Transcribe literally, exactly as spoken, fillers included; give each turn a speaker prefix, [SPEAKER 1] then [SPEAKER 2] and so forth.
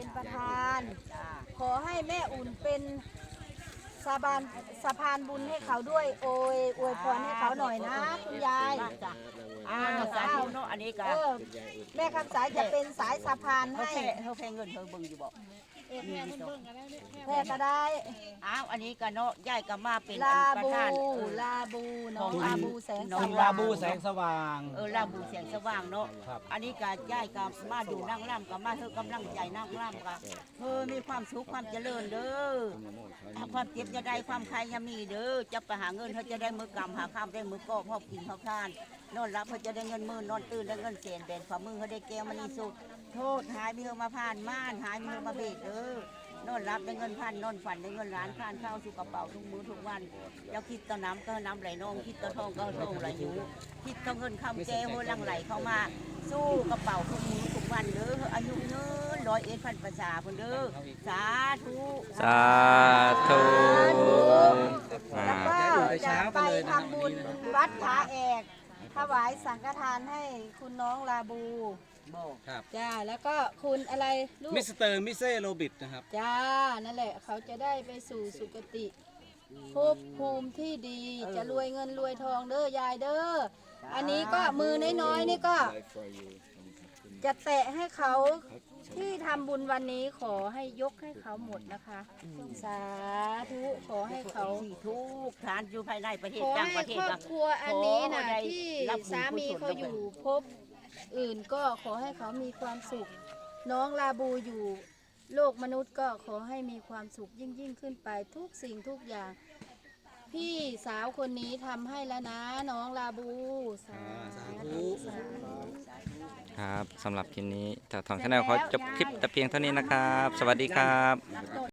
[SPEAKER 1] ประธานขอให้แม่อุ่นเป็นสะพานสะพานบุญให้เขาด้วยโอยอวยพรให้เขาหน่อยนะคุณยาย
[SPEAKER 2] อ่าสาธุเนาะอันนี้ก็
[SPEAKER 1] แม่คำสายจะเป็นสายสะพานให้
[SPEAKER 2] เขาแพงเงินเขาเบิ่งอยู่บ่
[SPEAKER 1] แพ่ก็ได้
[SPEAKER 2] อ้าวอันนี้ก็เนาะยายก็มาเป็น
[SPEAKER 1] ลาบูลาบูน้องลาบูแสงส
[SPEAKER 3] ว่างลาบูแสงสว่าง
[SPEAKER 2] เออลาบูแสงสว่างเนาะอันนี้ก็ยายก็มาดูนั่งร่ำก็มาเธอกำลังใจนั่งร่ำก็เออมีความสุขความเจริญเด้อความเจ็บจะได้ความใครยามีเด้อจะไปหาเงินเขาจะได้มือกำหาข้ามได้มือก็พ่อกินพ่อทานนอนรับเขาจะได้เงินหมื่นนอนตื่นได้เงินเศษแบนฝ่ามือเขาได้แก้วมันนี่สุขโทษหายมีเฮมาผ่านม่านหายมีเฮมาเบ็ดเด้อนอนรับได้เงินพันนอนฝันได้เงินล้านผ่านข้าวสู่กระเป๋าทุกมื้อทุกวันเจ้าคิดต่อน้ำก็น้ำไหลนองคิดต่อทองก็ทองไหลอยู่คิดต่อเงินคำแก้วลังไหลเข้ามาสู้กระเป๋าทุกมื้อทุกวันเด้ออายุเงินร้อยเอ็ดพันภาษาคนเด้อสาธุ
[SPEAKER 4] สาธุ
[SPEAKER 1] แล้วก็จะไปทำบุญวัดผาแอกถวายสังฆทานให้คุณน้องลาบู
[SPEAKER 3] ครับ
[SPEAKER 1] จ้าแล้วก็คุณอะไรลูก
[SPEAKER 3] มิสเตอร์มิเซโรบิทนะครับ
[SPEAKER 1] จ้านั่นแหละเขาจะได้ไปสู่สุคติภพภูมิที่ดีจะรวยเงินรวยทองเด้อยายเด้ออันนี้ก็มือน้อยๆนี่ก็จะแตะให้เขาที่ทำบุญวันนี้ขอให้ยกให้เขาหมดนะคะสาธุขอให้เขา
[SPEAKER 2] ทุกทานอยู่ภายในประเทศ
[SPEAKER 1] ขอ
[SPEAKER 2] ต่างป
[SPEAKER 1] ให้
[SPEAKER 2] ระเทศ
[SPEAKER 1] ครอบครัวอันนี้นะที่สามีเขาอยู่พบอื่นก็ขอให้เขามีความสุขน้องลาบูอยู่โลกมนุษย์ก็ขอให้มีความสุขยิ่งยิ่งขึ้นไปทุกสิ่งทุกอย่างพี่สาวคนนี้ทำให้แล้วนะน้องลาบูสาธุ
[SPEAKER 4] ครับสำหรับคลิปนี้ถ้าทองชาแนลขอจบคลิปแต่เพียงเท่านี้นะครับสวัสดีครับ